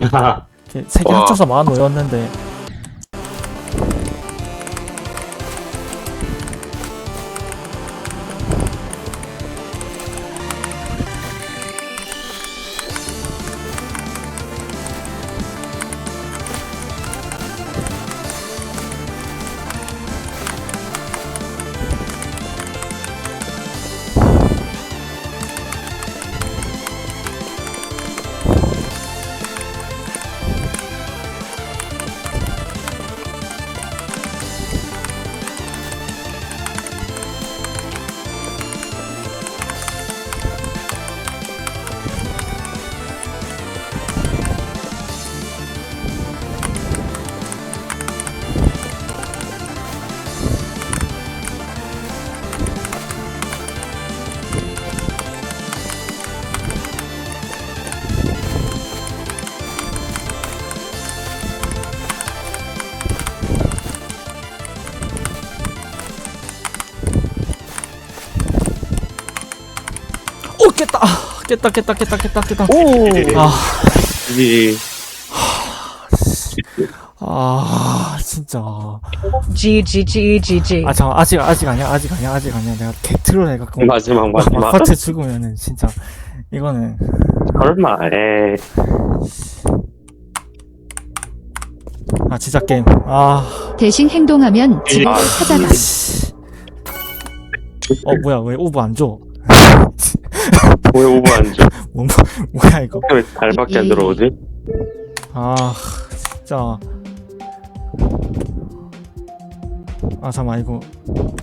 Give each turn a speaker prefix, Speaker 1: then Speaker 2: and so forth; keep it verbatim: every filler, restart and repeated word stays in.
Speaker 1: 세 개
Speaker 2: 와.
Speaker 1: 합쳐서 만 오였는데. 오 깼다. 아, 깼다 깼다 깼다 깼다 깼다.
Speaker 3: 오.
Speaker 1: 아,
Speaker 2: 이
Speaker 1: 아 진짜.
Speaker 4: G G G G G.
Speaker 1: 아 잠깐 아직 아직 아니야 아직 아니야 아직 아니야. 내가 개트롤 해갖고
Speaker 2: 마지막 마지막
Speaker 1: 막파트 죽으면은 진짜 이거는.
Speaker 2: 설마 에
Speaker 1: 아 진짜 게임. 아.
Speaker 5: 대신 행동하면 집을
Speaker 2: 아,
Speaker 5: 찾아가.
Speaker 1: 씨. 어 뭐야 왜 오브 안 줘?
Speaker 2: 왜 오버 안 줘?
Speaker 1: 뭐, 뭐야 이거?
Speaker 2: 왜 달밖에 안 들어오지?
Speaker 1: 아 진짜. 아 잠깐만 이거